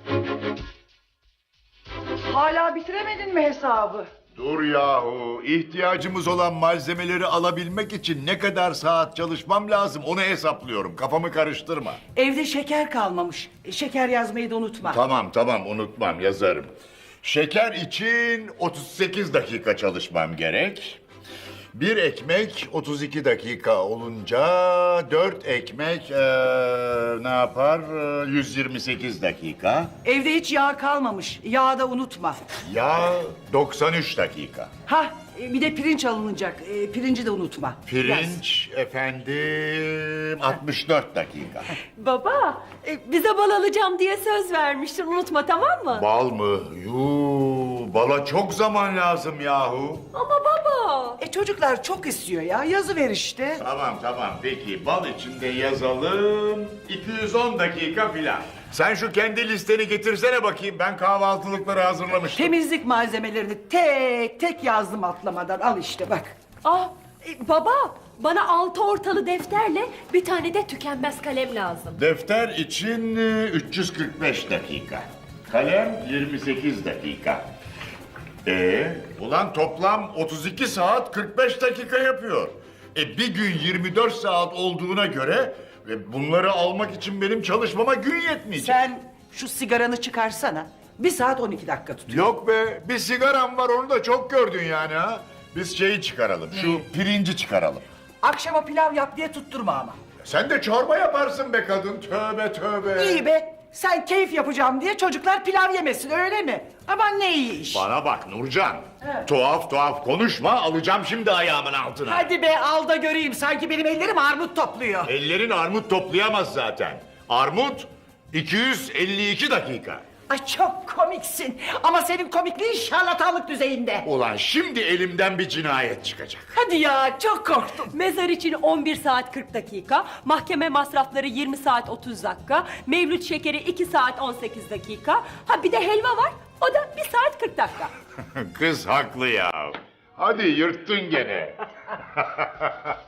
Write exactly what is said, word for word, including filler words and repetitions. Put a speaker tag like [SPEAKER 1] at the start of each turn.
[SPEAKER 1] Hala bitiremedin mi hesabı?
[SPEAKER 2] Dur yahu, ihtiyacımız olan malzemeleri alabilmek için ne kadar saat çalışmam lazım onu hesaplıyorum. Kafamı karıştırma.
[SPEAKER 1] Evde şeker kalmamış. Şeker yazmayı da unutma.
[SPEAKER 2] Tamam tamam unutmam, yazarım. Şeker için otuz sekiz dakika çalışmam gerek. Bir ekmek otuz iki dakika olunca dört ekmek eee, ne yapar? Eee, yüz yirmi sekiz dakika.
[SPEAKER 1] Evde hiç yağ kalmamış. Yağı da unutma.
[SPEAKER 2] Yağ doksan üç dakika.
[SPEAKER 1] Ha, bir de pirinç alınacak. E, pirinci de unutma. Yaz.
[SPEAKER 2] Pirinç efendim altmış dört dakika.
[SPEAKER 3] Baba, e, bize bal alacağım diye söz vermiştin. Unutma, tamam mı?
[SPEAKER 2] Bal mı? Yuu, bala çok zaman lazım yahu.
[SPEAKER 3] Ama baba.
[SPEAKER 1] E çocuklar çok istiyor ya. Yazıver işte.
[SPEAKER 2] Tamam tamam peki bal içinde yazalım iki yüz on dakika filan. Sen şu kendi listeni getirsene bakayım, ben kahvaltılıkları hazırlamıştım.
[SPEAKER 1] Temizlik malzemelerini tek tek yazdım atlamadan. Al işte bak.
[SPEAKER 3] Ah, e, baba, bana altı ortalı defterle bir tane de tükenmez kalem lazım.
[SPEAKER 2] Defter için e, üç yüz kırk beş dakika. Kalem yirmi sekiz dakika. Ee, ulan toplam otuz iki saat kırk beş dakika yapıyor. E bir gün yirmi dört saat olduğuna göre ve bunları almak için benim çalışmama gün yetmeyecek.
[SPEAKER 1] Sen şu sigaranı çıkarsana. Bir saat on iki dakika tutuyor.
[SPEAKER 2] Yok be, bir sigaram var, onu da çok gördün yani ha. Biz şeyi çıkaralım, şu pirinci çıkaralım.
[SPEAKER 1] Akşama pilav yap diye tutturma ama.
[SPEAKER 2] Sen de çorba yaparsın be kadın, tövbe tövbe.
[SPEAKER 1] İyi be. Sen keyif yapacağım diye çocuklar pilav yemesin öyle mi? Aman ne iyi iş.
[SPEAKER 2] Bana bak Nurcan,
[SPEAKER 1] Evet.
[SPEAKER 2] tuhaf tuhaf konuşma, alacağım şimdi ayağımın altına.
[SPEAKER 1] Hadi be al da göreyim. Sanki benim ellerim armut topluyor.
[SPEAKER 2] Ellerin armut toplayamaz zaten. Armut iki yüz elli iki dakika.
[SPEAKER 1] Ay çok komiksin. Ama senin komikliğin şarlatanlık düzeyinde.
[SPEAKER 2] Ulan şimdi elimden bir cinayet çıkacak.
[SPEAKER 1] Hadi ya çok korktum.
[SPEAKER 3] Mezar için on bir saat kırk dakika, mahkeme masrafları yirmi saat otuz dakika, mevlüt şekeri iki saat on sekiz dakika. Ha bir de helva var, o da bir saat kırk dakika.
[SPEAKER 2] Kız haklı ya. Hadi yırttın gene.